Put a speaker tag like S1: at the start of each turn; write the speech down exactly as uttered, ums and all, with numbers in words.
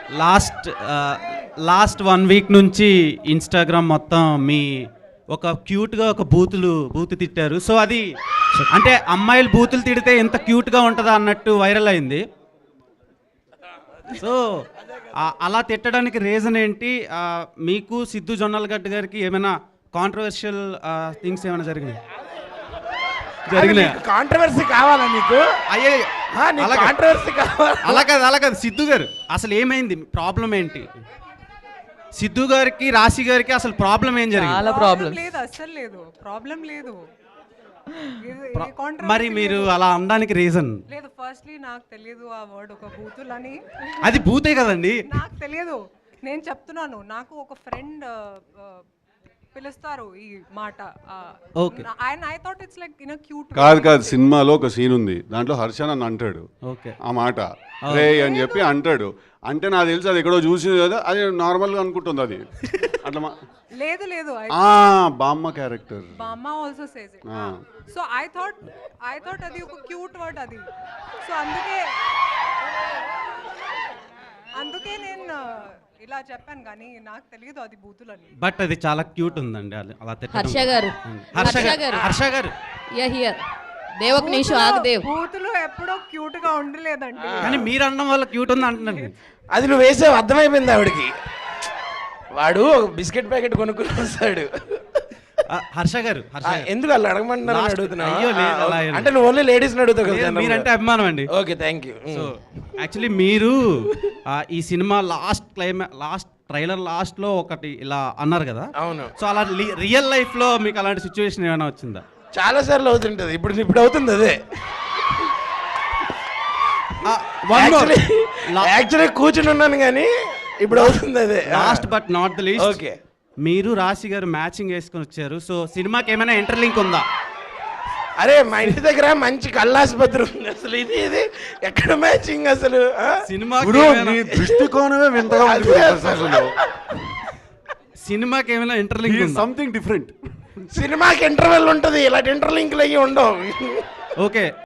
S1: Last last one week నుంచి Instagram మొత్తం మీ ఒక క్యూట్గా ఒక బూతులు బూతు తిట్టారు. సో అది అంటే అమ్మాయిలు బూతులు తిడితే ఎంత క్యూట్గా ఉంటుందా అన్నట్టు వైరల్ అయింది. సో అలా తిట్టడానికి రీజన్ ఏంటి? ఆ, మీకు సిద్ధు జొన్నలగడ్డ గారికి ఏమైనా కాంట్రవర్షియల్ థింగ్స్ ఏమైనా జరిగినాయి జరిగినాయి
S2: కాంట్రవర్సీ కావాలా నీకు?
S1: అయ్యే
S2: ఆ, నీకు కాంట్రవర్సీ కావాలా?
S1: అలా కాదు అలా కాదు సిద్ధు గారు అసలు ఏమైంది, ప్రాబ్లం ఏంటి? సిద్ధు గారికి రాశి గారికి అసలు ప్రాబ్లం ఏం జరిగింది?
S3: చాలా ప్రాబ్లం
S4: లేదు, అస్సలు లేదు, ప్రాబ్లం లేదు. ఇది-
S1: ప్రా-
S4: ఈ controversy
S1: మరి మీరు
S4: లేదు.
S1: అలా అనడానికి రీజన్?
S4: లేదు, ఫస్ట్లీ నాకు తెలియదు ఆ వర్డ్ ఒక బూతులని.
S1: అది భూతే కదండి.
S4: నాకు తెలియదు, నేను చెప్తున్నాను. నాకు ఒక ఫ్రెండ్ పిలుస్తారు ఈ మాట.
S1: Okay.
S4: ఆయన I thought it's like in cute.
S5: కాదు కాదు సినిమాలో ఒక సీన్ ఉంది, దాంట్లో హర్ష నన్ను అంటాడు
S1: ఓకే
S5: ఆ మాట రే అని చెప్పి అంటాడు. అంటే నాకు తెలిసి అది ఎక్కడో చూసింది కదా, అది నార్మల్గా అనుకుంటుంది అది అట్లా మా-
S4: లేదు లేదు,
S5: ఆ, బామ్మ క్యారెక్టర్
S4: బామ్మ ఆల్సో సేస్ ఇట్.
S5: ఆ.
S4: So I thought I thought అది ఒక క్యూట్ వర్డ్ అది. సో అందుకే అందుకే నేను ఇలా చెప్పాను, కానీ నాకు తెలియదు అది బూతులని.
S1: బట్ అది చాలా క్యూట్ ఉందండి అది అలా తిట్టడం.
S3: హర్ష గారు
S1: హర్ష
S3: హర్ష
S1: గారు
S3: గారు
S1: హర్ష గారు
S3: యా హియర్ దేవక్ నీషు ఆగదేవ్
S4: బూతులు ఎప్పుడో క్యూట్ గా ఉండలేదండి.
S1: కానీ మీరు అనడం వల్ల క్యూట్ ఉంది అంటున్నారు.
S2: అది నువ్వు వేసావు, అర్థమైపోయింది ఆవిడకి. వాడు ఒక బిస్కెట్ ప్యాకెట్ కొనుక్కుని వస్తాడు.
S1: ఆ, హర్ష గారు హర్ష
S2: ఆ,
S1: గారు.
S2: ఎందుకు వాళ్ళు అడగమంటున్నారు
S1: Last-
S2: అడుగుతున్నావు?
S1: అయ్యో, లేదు, అలా ఏం
S2: అంటే నువ్వు ఓన్లీ లేడీస్ అడుగుతావు
S1: లేదు,
S2: కదా.
S1: మీరంటే అభిమానం అండి.
S2: Okay, thank you.
S1: So actually మీరు ఆ, ఈ సినిమా లాస్ట్ క్లైమా లాస్ట్ ట్రైలర్ లాస్ట్ లో ఒకటి ఇలా అన్నారు కదా.
S2: అవును,
S1: సో అలా రియల్ లైఫ్ లో మీకు అలాంటి సిచ్యువేషన్ ఏమైనా వచ్చిందా?
S2: చాలా సార్లు అవుతుంటది. ఇప్పుడు ఇప్పుడు అవుతుంది అదే. యాక్చువల్లీ కూర్చుని ఉన్నాను కానీ ఇప్పుడు అవుతుంది అదే.
S1: Last but not the least,
S2: okay,
S1: మీరు రాశి గారు మ్యాచింగ్ వేసుకొని వచ్చారు. సో సినిమాకి ఏమైనా ఇంటర్లింక్ ఉందా?
S2: అరే మా ఇంటి దగ్గర మంచి కళ్ళాసుపత్రి ఉంది. అసలు ఇది ఇది ఎక్కడ మ్యాచింగ్ అసలు? ఆ?
S1: సినిమాకి
S5: గురు,
S1: ఏమైనా-
S5: నీ దృష్టికోణమే వింతగా ఉంది
S2: అదే
S5: అసలు.
S1: సినిమాకి ఏమైనా ఇంటర్లింక్ ఉందా?
S5: Something different.
S2: సినిమాకి ఇంటర్వెల్ ఉంటది, ఇలాంటి ఇంటర్లింక్లు అయ్యి ఉండవు.
S1: ఓకే